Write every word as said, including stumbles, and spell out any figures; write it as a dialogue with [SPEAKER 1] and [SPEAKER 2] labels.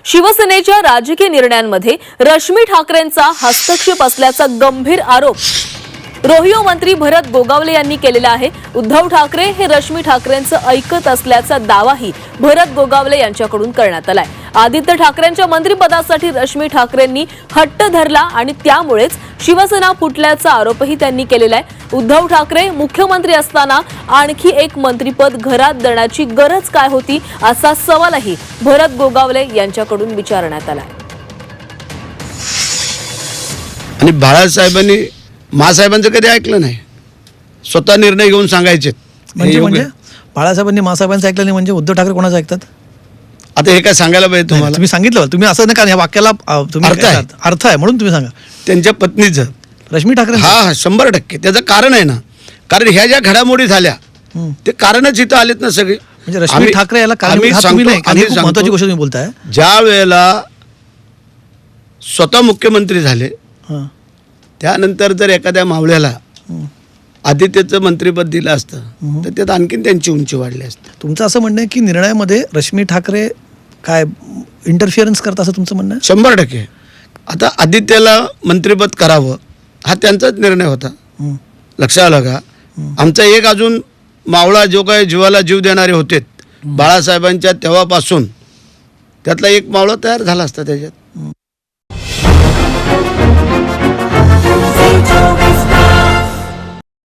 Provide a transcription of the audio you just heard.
[SPEAKER 1] शिवसेनेच्या राजकीय निर्णयांमध्ये रश्मी ठाकरेंचा हस्तक्षेप असल्याचा गंभीर आरोप रोहियो मंत्री भरत गोगावले यांनी केलेला आहे। उद्धव ठाकरे हे रश्मी ठाकरेंचं ऐकत असल्याचा दावाही भरत गोगावले यांच्याकडून करण्यात आलाय। आदित्य ठाकरेंच्या मंत्रिपदासाठी रश्मी ठाकरेंनी हट्ट धरला आणि त्यामुळेच शिवसेना फुटल्याचा आरोपही त्यांनी केलेला आहे। उद्धव ठाकरे मुख्यमंत्री असताना आणखी एक मंत्रिपद घरात देण्याची गरज काय होती असा सवालही भरत गोगावले यांच्याकडून विचारण्यात आला।
[SPEAKER 2] आणि बाळासाहेबांनी मासाहेबांचं कधी ऐकलं नाही, स्वतः निर्णय घेऊन सांगायचे।
[SPEAKER 3] म्हणजे म्हणजे बाळासाहेबांनी मासाहेबांचं ऐकलं नाही म्हणजे उद्धव ठाकरे कोणाचं ऐकतात?
[SPEAKER 2] आता हे काय सांगायला पाहिजे तुम्हाला?
[SPEAKER 3] तुम्ही सांगितलं, तुम्ही असं नका, या वाक्याला तुम्ही
[SPEAKER 2] अर्थ आहे.
[SPEAKER 3] अर्थ आहे म्हणून तुम्ही सांगा।
[SPEAKER 2] त्यांच्या पत्नीचं
[SPEAKER 3] रश्मी ठाकरे
[SPEAKER 2] हा हा शंभर टक्के त्याचं कारण आहे ना, कारण ह्या ज्या घडामोडी झाल्या ते कारणच इथं आलेत ना सगळे।
[SPEAKER 3] म्हणजे रश्मी
[SPEAKER 2] आम्ही-
[SPEAKER 3] ठाकरे याला
[SPEAKER 2] आम्ही
[SPEAKER 3] कारण तुम्ही
[SPEAKER 2] सांगतो-
[SPEAKER 3] नाही,
[SPEAKER 2] आम्ही
[SPEAKER 3] खूप
[SPEAKER 2] सांगतो,
[SPEAKER 3] महत्त्वाची गोष्ट तुम्ही बोलताय।
[SPEAKER 2] ज्या वेळेला स्वतः मुख्यमंत्री झाले
[SPEAKER 3] हां
[SPEAKER 2] त्यानंतर जर एखाद्या मावळ्याला आदित्यचं मंत्रिपद दिलं असतं तर त्यात आणखीन त्यांची उंची वाढली असते।
[SPEAKER 3] तुमचं असं म्हणणं आहे की निर्णयामध्ये रश्मी ठाकरे काय इंटरफिअरन्स करतात असं तुमचं म्हणणं आहे?
[SPEAKER 2] शंभर टक्के आता आदित्यला मंत्रिपद करावं हा त्यांचाच निर्णय होता।
[SPEAKER 3] हं.
[SPEAKER 2] लक्षात आलं का? आमचा एक अजून मावळा जो काय जीवाला जीव देणारे होते बाळासाहेबांच्या तेव्हापासून, त्यातला एक मावळा तयार झाला असता त्याच्यात।